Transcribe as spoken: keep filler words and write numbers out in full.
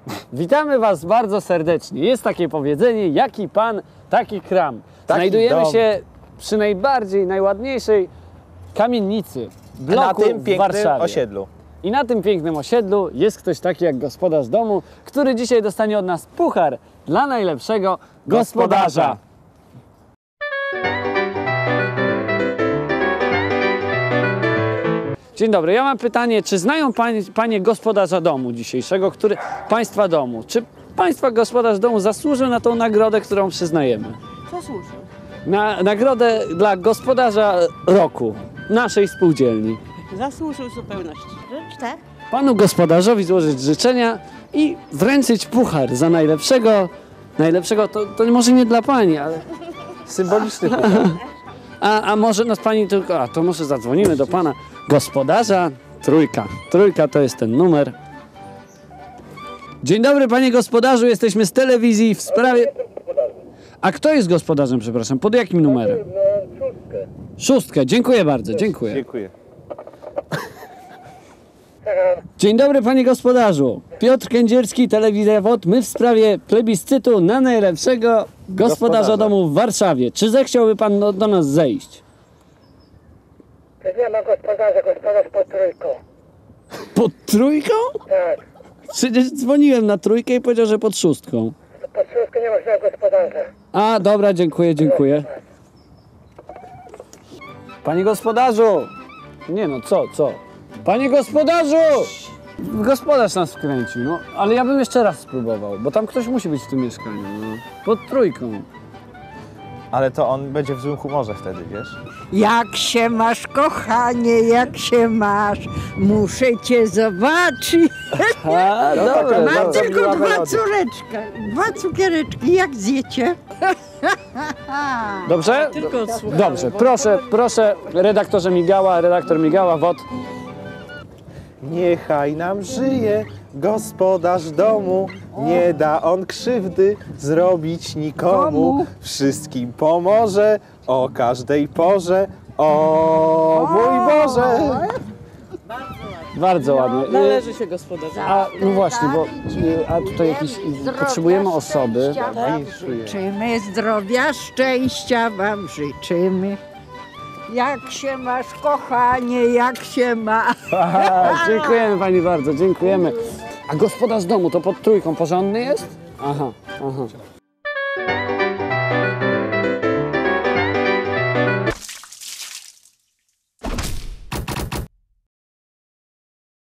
Witamy Was bardzo serdecznie. Jest takie powiedzenie, jaki pan, taki kram. Taki Znajdujemy dom. się przy najbardziej, najładniejszej kamienicy, bloku Na tym w pięknym Warszawie. osiedlu. I na tym pięknym osiedlu jest ktoś taki jak gospodarz domu, który dzisiaj dostanie od nas puchar dla najlepszego gospodarza. Dzień dobry, ja mam pytanie, czy znają panie, panie gospodarza domu dzisiejszego, który, państwa domu, czy państwa gospodarz domu zasłużył na tą nagrodę, którą przyznajemy? Zasłużył. Na nagrodę dla gospodarza roku naszej spółdzielni. Zasłużył w zupełności. Tak? Panu gospodarzowi złożyć życzenia i wręczyć puchar za najlepszego, najlepszego, to, to może nie dla pani, ale Symboliczny puchar. a, a może nas pani tylko, a to może zadzwonimy do pana gospodarza, trójka, trójka to jest ten numer. Dzień dobry panie gospodarzu, jesteśmy z telewizji w sprawie... A kto jest gospodarzem, przepraszam, pod jakim numerem? Szóstkę. Szóstkę, dziękuję bardzo, dziękuję. Dziękuję. Dzień dobry panie gospodarzu. Piotr Kędzierski, Telewizja W O D. My w sprawie plebiscytu na najlepszego gospodarza Gospodarza. domu w Warszawie. Czy zechciałby pan do, do nas zejść? Nie ma gospodarza, gospodarz pod trójką. Pod trójką? Tak. Przecież dzwoniłem na trójkę i powiedział, że pod szóstką. Pod trójką nie ma żadnego gospodarza. A, dobra, dziękuję, dziękuję. Panie gospodarzu! Nie no, co, co? Panie gospodarzu! Gospodarz nas wkręcił, no. Ale ja bym jeszcze raz spróbował, bo tam ktoś musi być w tym mieszkaniu, no. Pod trójką. Ale to on będzie w złym humorze wtedy, wiesz? Jak się masz, kochanie, jak się masz? Muszę cię zobaczyć. A, No, dobra, taka Mam dobra. bardzo tylko miła dwa melodia. córeczka, dwa cukiereczki, jak zjecie? Dobrze? Tylko odsłuchamy. Dobrze, proszę, proszę, redaktorze Migała, redaktor Migała, W O D. Niechaj nam żyje gospodarz domu, nie da on krzywdy zrobić nikomu. Komu? Wszystkim pomoże o każdej porze. O mój Boże! Bardzo ładnie. Należy się gospodarza. A, no właśnie, bo y, a tutaj jakieś, y, potrzebujemy osoby. Życzymy zdrowia, szczęścia wam życzymy. Jak się masz, kochanie, jak się ma? Aha, dziękujemy pani bardzo, dziękujemy. A gospodarz domu to pod trójką porządny jest? Aha, aha.